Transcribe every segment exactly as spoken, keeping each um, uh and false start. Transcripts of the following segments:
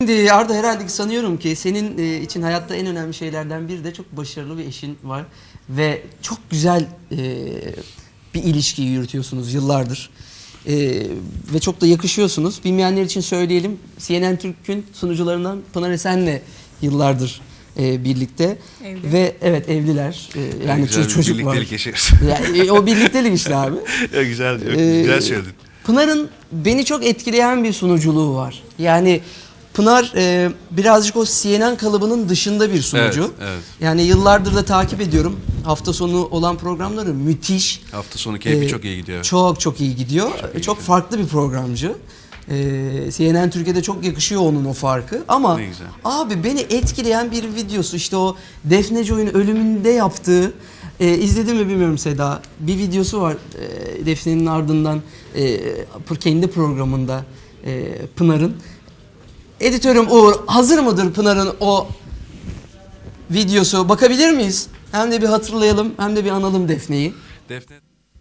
Şimdi Arda, herhalde sanıyorum ki senin e, için hayatta en önemli şeylerden biri de çok başarılı bir eşin var. Ve çok güzel e, bir ilişki yürütüyorsunuz yıllardır. E, ve çok da yakışıyorsunuz. Bilmeyenler için söyleyelim. C N N Türk'ün sunucularından Pınar Esen'le yıllardır e, birlikte. Evli. Ve evet, evliler. E, yani güzel çocuk bir var. birliktelik yaşıyoruz. Yani, e, o birliktelik işte abi. Ya güzel diyor. Ee, güzel söyledin. Pınar'ın beni çok etkileyen bir sunuculuğu var. Yani Pınar e, birazcık o C N N kalıbının dışında bir sunucu. Evet, evet. Yani yıllardır da takip ediyorum. Hafta sonu olan programları müthiş. Hafta sonu keyfi Ee, çok iyi gidiyor. Çok çok iyi gidiyor. Çok, Çok, iyi çok gidiyor. farklı bir programcı. Ee, C N N Türkiye'de çok yakışıyor onun o farkı. Ama Ne güzel. abi beni etkileyen bir videosu, işte o Defne Joy'un ölümünde yaptığı, e, izledin mi bilmiyorum Seda, bir videosu var e, Defne'nin ardından e, kendi programında e, Pınar'ın. Editörüm Uğur, hazır mıdır Pınar'ın o videosu? Bakabilir miyiz? Hem de bir hatırlayalım, hem de bir analım Defne'yi. Defne.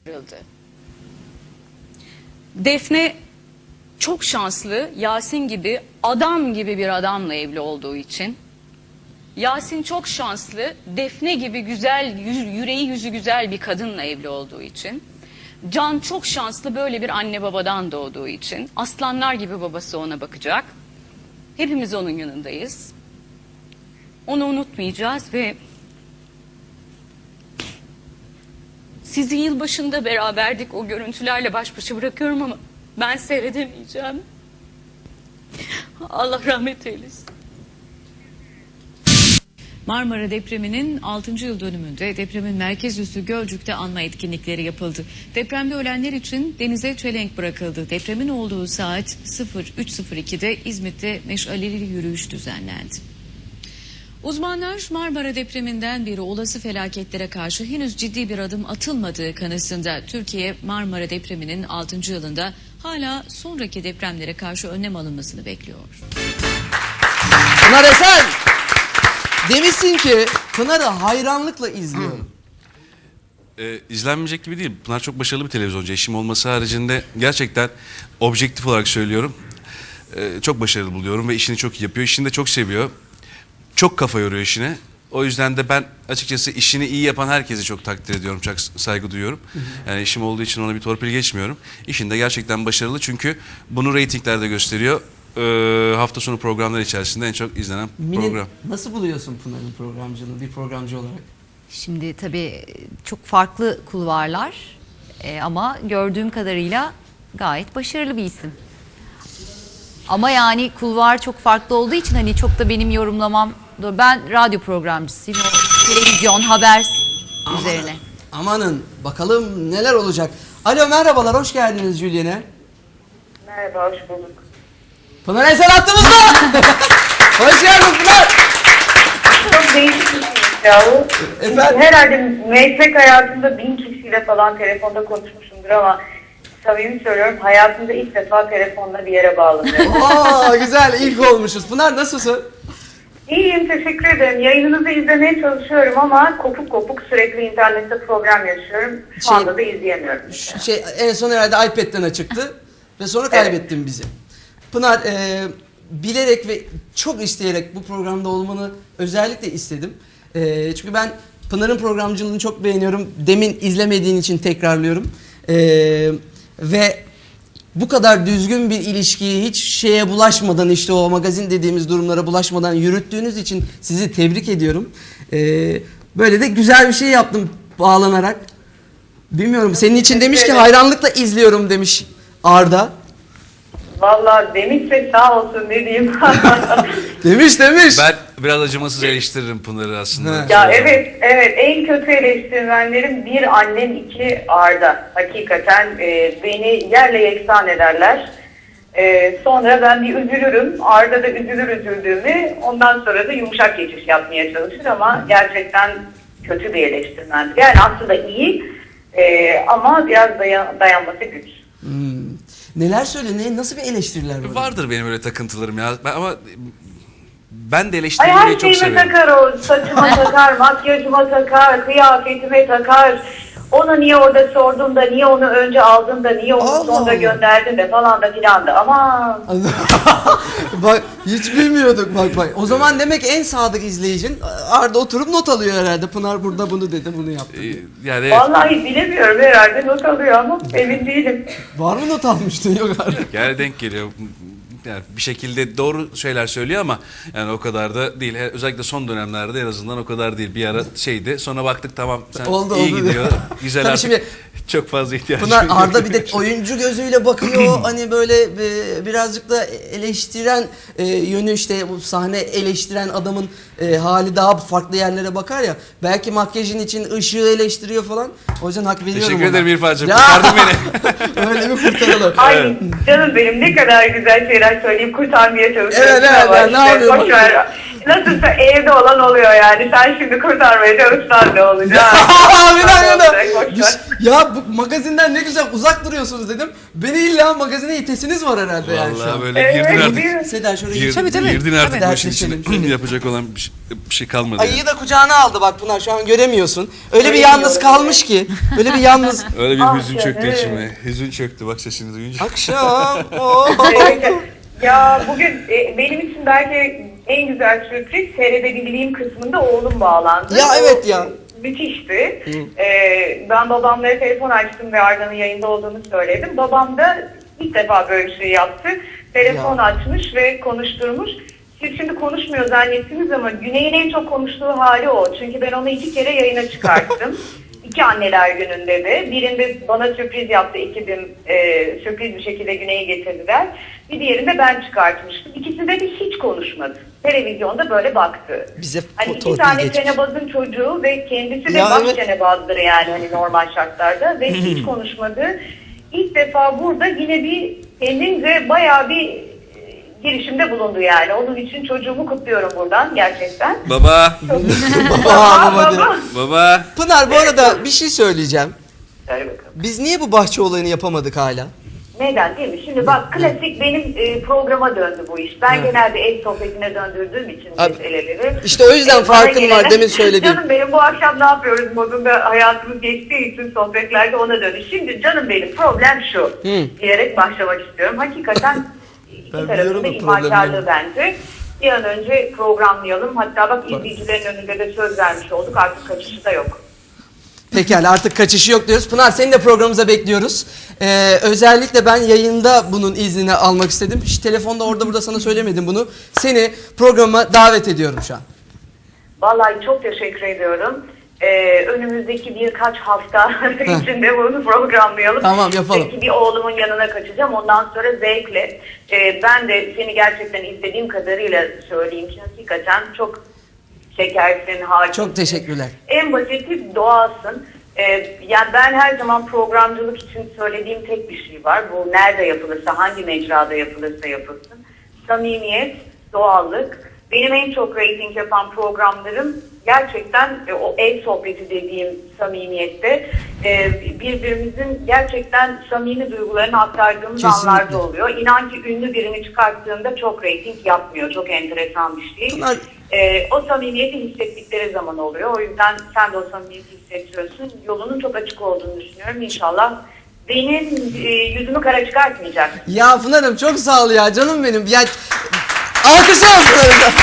Defne çok şanslı, Yasin gibi adam gibi bir adamla evli olduğu için. Yasin çok şanslı, Defne gibi güzel, yüreği yüzü güzel bir kadınla evli olduğu için. Can çok şanslı, böyle bir anne babadan doğduğu için. Aslanlar gibi babası ona bakacak. Hepimiz onun yanındayız. Onu unutmayacağız ve sizi yılbaşında beraberdik, o görüntülerle baş başa bırakıyorum ama ben seyredemeyeceğim. Allah rahmet eylesin. Marmara depreminin altıncı yıl dönümünde depremin merkez üssü Gölcük'te anma etkinlikleri yapıldı. Depremde ölenler için denize çelenk bırakıldı. Depremin olduğu saat üç sıfır iki'de İzmit'te meşaleli yürüyüş düzenlendi. Uzmanlar Marmara depreminden beri olası felaketlere karşı henüz ciddi bir adım atılmadığı kanısında. Türkiye Marmara depreminin altıncı yılında hala sonraki depremlere karşı önlem alınmasını bekliyor. Pınar Esen, demişsin ki Pınar'ı hayranlıkla izliyorum. Ee, izlenmeyecek gibi değil. Pınar çok başarılı bir televizyoncu. Eşim olması haricinde gerçekten objektif olarak söylüyorum. Ee, çok başarılı buluyorum ve işini çok iyi yapıyor. İşini de çok seviyor. Çok kafa yoruyor işine. O yüzden de ben açıkçası işini iyi yapan herkesi çok takdir ediyorum, çok saygı duyuyorum. Yani işim olduğu için ona bir torpil geçmiyorum. İşinde gerçekten başarılı, çünkü bunu reytinglerde gösteriyor. Ee, hafta sonu programlar içerisinde en çok izlenen Mine, program. nasıl buluyorsun Pınar'ın programcılığını bir programcı olarak? Şimdi tabii çok farklı kulvarlar e, ama gördüğüm kadarıyla gayet başarılı bir isim. Ama yani kulvar çok farklı olduğu için hani çok da benim yorumlamam doğru. Ben radyo programcısıyım. O televizyon, haber üzerine. Amanın, bakalım neler olacak. Alo, merhabalar, hoş geldiniz Julien'e. Merhaba, hoş bulduk. Pınar Esen attığımızda. Hoş geldin Pınar. Çok değişik bir şey ya bu. Çünkü Efendim? herhalde meslek hayatımda bin kişiyle falan telefonda konuşmuşumdur ama samimi söylüyorum, hayatımda ilk defa telefonla bir yere bağlanıyorum. Aa, güzel, ilk olmuşuz. Pınar, nasılsın? İyiyim, teşekkür ederim. Yayınınızı izlemeye çalışıyorum ama kopuk kopuk sürekli internette problem yaşıyorum. Şu Şey- anda da izleyemiyorum. Şey, en son herhalde iPad'den açıktı ve sonra kaybettin bizi. Pınar, e, bilerek ve çok isteyerek bu programda olmanı özellikle istedim. E, çünkü ben Pınar'ın programcılığını çok beğeniyorum. Demin izlemediğin için tekrarlıyorum. E, ve bu kadar düzgün bir ilişkiyi hiç şeye bulaşmadan, işte o magazin dediğimiz durumlara bulaşmadan yürüttüğünüz için sizi tebrik ediyorum. E, böyle de güzel bir şey yaptım bağlanarak. Bilmiyorum, senin için demiş ki hayranlıkla izliyorum demiş Arda. Vallahi demişse sağ olsun, ne diyeyim. Demiş demiş. Ben biraz acımasız eleştiririm Pınar'ı aslında. Ya evet, evet. En kötü eleştirmenlerim bir annem, iki Arda. Hakikaten e, beni yerle yeksan ederler. E, sonra ben bir üzülürüm. Arda da üzülür üzüldüğümü. Ondan sonra da yumuşak geçiş yapmaya çalışır ama gerçekten kötü bir eleştirmendir. Yani aslında iyi e, ama biraz dayan, dayanması güç. Hmm. Neler söyle, ne, nasıl bir eleştiriler var? Vardır benim öyle takıntılarım ya. Ben, ama ben de Ay, eleştirmeyi her çok şeyime severim. takar o. Saçıma takar, makyajıma takar, kıyafetime takar. Onu niye orada sordun da, niye onu önce aldın da, niye onu Allah sonra Allah. gönderdin de falan da filan da. Aman. Bak hiç bilmiyorduk bak bak. O zaman demek en sadık izleyicin Arda oturup not alıyor herhalde. Pınar burada bunu dedi, bunu yaptı. Ee, yani evet, Vallahi bilemiyorum, herhalde not alıyor ama emin değilim. Var mı not almıştın? Yok Arda. yani denk geliyor. Yani bir şekilde doğru şeyler söylüyor ama yani o kadar da değil. He- Özellikle son dönemlerde en azından o kadar değil. Bir ara şeydi. Sonra baktık tamam sen Oldu, iyi oldu. gidiyor. Güzel Tabii artık. şimdi Çok fazla ihtiyacım Pınar yok. Arda bir de oyuncu gözüyle bakıyor. Hani böyle e, birazcık da eleştiren e, yönü, işte bu sahne eleştiren adamın e, hali daha farklı yerlere bakar ya. Belki makyajın için ışığı eleştiriyor falan. O yüzden hak veriyorum Teşekkür ona. ederim İrfan'cığım. Ya! Kurtardın beni. Öyle mi kurtaralım? Ay canım benim, ne kadar güzel şeyler söyleyip kurtarmaya çalışıyorsun. Evet, evet, ama ben ne işte yapıyorum? boş ver. Nasılsa evde olan oluyor yani. Sen şimdi kurtarmaya çalışsan ne olacak? bir dakika da. Boş Bir ver. şey- Ya bu magazinden ne güzel uzak duruyorsunuz dedim. Beni illa magazine itesiniz var herhalde yani şu Vallahi an. böyle Evet, girdin artık. değil mi? Seda şuraya Gir- geç. Tabii, tabii. Girdin artık Tabii. bu işin içine. Dertleşelim şöyle. Yapacak olan bir şey, bir şey kalmadı. Ayıyı yani. da kucağına aldı bak Pınar, şu an göremiyorsun. Öyle bir Öyle yalnız diyorum. kalmış ki. Öyle bir yalnız. Öyle bir Ah hüzün çöktü canım. içime. Hüzün çöktü bak sesini duyunca. Akşam. Oo. Evet. Ya bugün e, benim için belki en güzel sürpriz seyredebildiğim kısmında oğlum bağlandı. Ya O evet ya. Müthişti. Ee, ben babamlara telefon açtım ve Arda'nın yayında olduğunu söyledim. Babam da ilk defa böyle bir şey yaptı. Telefon Ya. açmış ve konuşturmuş. Siz şimdi konuşmuyor zannettiniz ama Güney'in en çok konuştuğu hali o. Çünkü ben onu iki kere yayına çıkarttım. İki anneler gününde de. Birinde bana sürpriz yaptı ekibim. E, sürpriz bir şekilde Güney'i getirdiler. Bir diğerinde ben çıkartmıştım. İkisinde de hiç konuşmadı. Televizyonda böyle baktı. Bize Hani iki torpil tane geçmiş. çenebazın çocuğu ve kendisi de Ya baş evet. çenebazdır yani hani normal şartlarda ve hiç konuşmadı. İlk defa burada yine bir kendince bayağı bir e, girişimde bulundu yani. Onun için çocuğumu kutluyorum buradan gerçekten. Baba, Baba, baba diyor. baba. Pınar bu arada bir şey söyleyeceğim. Söyle bakalım. Biz niye bu bahçe olayını yapamadık hala? Neden değil mi? Şimdi bak klasik benim e, programa döndü bu iş. Ben genelde ev sohbetine döndürdüğüm için Abi, meseleleri. işte o yüzden E, bana farkın var, gelene- demin söylediğim. Canım benim bu akşam ne yapıyoruz modunda hayatımız geçtiği için sohbetlerde ona döndü. Şimdi canım benim problem şu Hı. diyerek başlamak istiyorum. Hakikaten iki Ben tarafında biliyorum o ihmalkarlığı bence. Bir an önce programlayalım. Hatta bak izleyicilerin önünde de söz vermiş olduk. Artık kaçışı da yok. Pekala, artık kaçışı yok diyoruz. Pınar, seni de programımıza bekliyoruz. Ee, özellikle ben yayında bunun iznini almak istedim. Hiç telefonda orada burada sana söylemedim bunu. Seni programa davet ediyorum şu an. Vallahi çok teşekkür ediyorum. Ee, önümüzdeki birkaç hafta içinde bunu programlayalım. Tamam, yapalım. Peki bir oğlumun yanına kaçacağım. Ondan sonra zevkle. Ee, ben de seni gerçekten istediğim kadarıyla söyleyeyim ki hakikaten çok şekersin, harikasın. Çok teşekkürler. En basiti doğalsın. Ee, yani ben her zaman programcılık için söylediğim tek bir şey var. Bu nerede yapılırsa, hangi mecrada yapılırsa yapılsın. Samimiyet, doğallık. Benim en çok reyting yapan programlarım gerçekten e, o ev sohbeti dediğim samimiyette e, birbirimizin gerçekten samimi duygularını aktardığımız Kesinlikle. anlarda oluyor. İnan ki ünlü birini çıkarttığında çok reyting yapmıyor. Çok enteresan bir şey. Pınar- Ee, o samimiyeti hissettikleri zaman oluyor. O yüzden sen de o samimiyeti hissediyorsun. Yolunun çok açık olduğunu düşünüyorum. İnşallah benim e, yüzümü kara çıkartmayacak. Ya Pınar'ım çok sağ ol ya, canım benim. Ya, alkışlar Pınar'ım.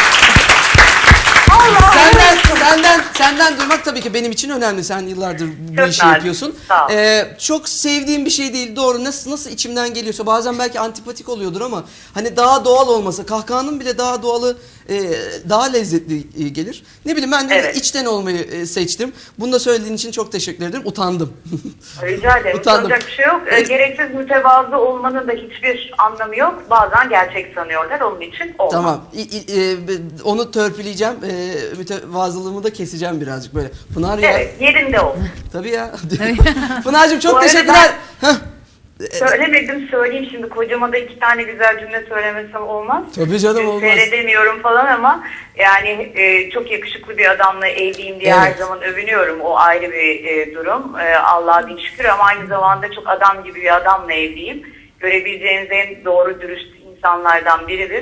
Senden, senden, senden duymak tabii ki benim için önemli. Sen yıllardır bu Çok işi nazik, yapıyorsun. sağ ol. Ee, çok sevdiğim bir şey değil, doğru. Nasıl nasıl içimden geliyorsa, bazen belki antipatik oluyordur ama hani daha doğal olması, kahkahanın bile daha doğalı, e, daha lezzetli e, gelir. Ne bileyim, ben de Evet. içten olmayı e, seçtim. Bunu da söylediğin için çok teşekkür ederim. Utandım. Rica ederim. Utandım. Soracak bir şey yok. Ee, gereksiz mütevazı olmanın da hiçbir anlamı yok. Bazen gerçek sanıyorlar. Onun için olmaz. Tamam. İ- i- e, be- onu törpüleyeceğim. E, mütevazılığımı da keseceğim birazcık böyle. Pınar ya. Evet. Yerinde ol. Tabii ya. Pınar'cığım Bu çok arada teşekkürler. Heh. Söylemedim, söyleyeyim şimdi. Kocama da iki tane güzel cümle söylemesem olmaz. Tabii canım, Ee, olmaz. Seyredemiyorum falan ama yani e, çok yakışıklı bir adamla evliyim diye her Evet. zaman övünüyorum. O ayrı bir e, durum. E, Allah'a bin şükür ama aynı zamanda çok adam gibi bir adamla evliyim. Görebileceğiniz en doğru dürüst insanlardan biridir.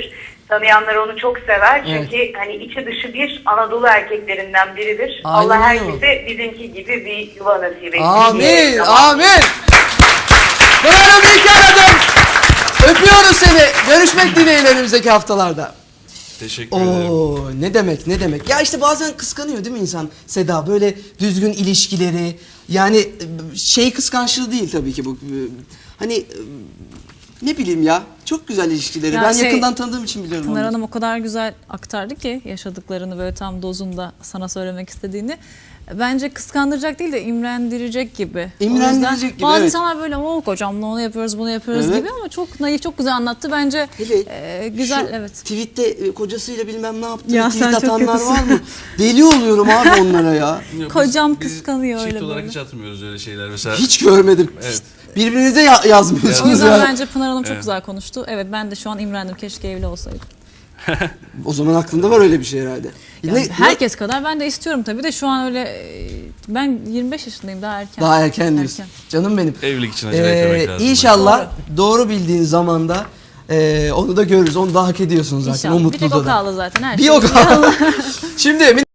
Tanıyanlar onu çok sever. Evet. Çünkü hani içi dışı bir Anadolu erkeklerinden biridir. Aynen Allah öyle. herkese bizimki gibi bir yuva nasip etsin. Amin, diyelim. amin. Pınar'ım iyi ki aradın. Öpüyoruz seni. Görüşmek dileğiyle önümüzdeki haftalarda. Teşekkür ederim. Oo, ne demek ne demek. Ya işte bazen kıskanıyor değil mi insan Seda? Böyle düzgün ilişkileri. Yani e, şey kıskançlığı değil tabii ki bu. E, Hani e, ne bileyim ya. Çok güzel ilişkileri. Ya ben şey, yakından tanıdığım için biliyorum. Pınar onları. Hanım o kadar güzel aktardı ki yaşadıklarını böyle tam dozunda sana söylemek istediğini. Bence kıskandıracak değil de imrendirecek gibi. O İmrendirecek yüzden gibi, bazı evet. insanlar böyle o kocamla onu yapıyoruz bunu yapıyoruz Evet. gibi ama çok naif çok güzel anlattı. Bence Hele e, güzel şu evet. Tweette e, kocasıyla bilmem ne yaptığını Ya tweet sen çok atanlar kötüsün. var mı? Deli oluyorum abi onlara ya. Yok, Kocam biz- biz kıskanıyor çift öyle olarak böyle. hiç atmıyoruz öyle şeyler. Mesela Hiç görmedim. Evet. Birbirinize ya- O yazmıyorsunuz yüzden ya. bence Pınar Hanım çok Evet. güzel konuştu. Evet ben de şu an imrendim keşke evli olsaydım. O zaman aklında var öyle bir şey herhalde. Yani Ne- herkes kadar ben de istiyorum tabii de şu an öyle e, ben yirmi beş yaşındayım daha erken. Daha erken diyorsun. Erken. Canım benim. evlilik için acele etmemek Ee, lazım. İnşallah doğru. bildiğin zamanda e, onu da görürüz. Onu da hak ediyorsun zaten. İnşallah. O Bir tek mutluluğu o da. kaldı zaten her Bir şey. o kaldı. Şimdi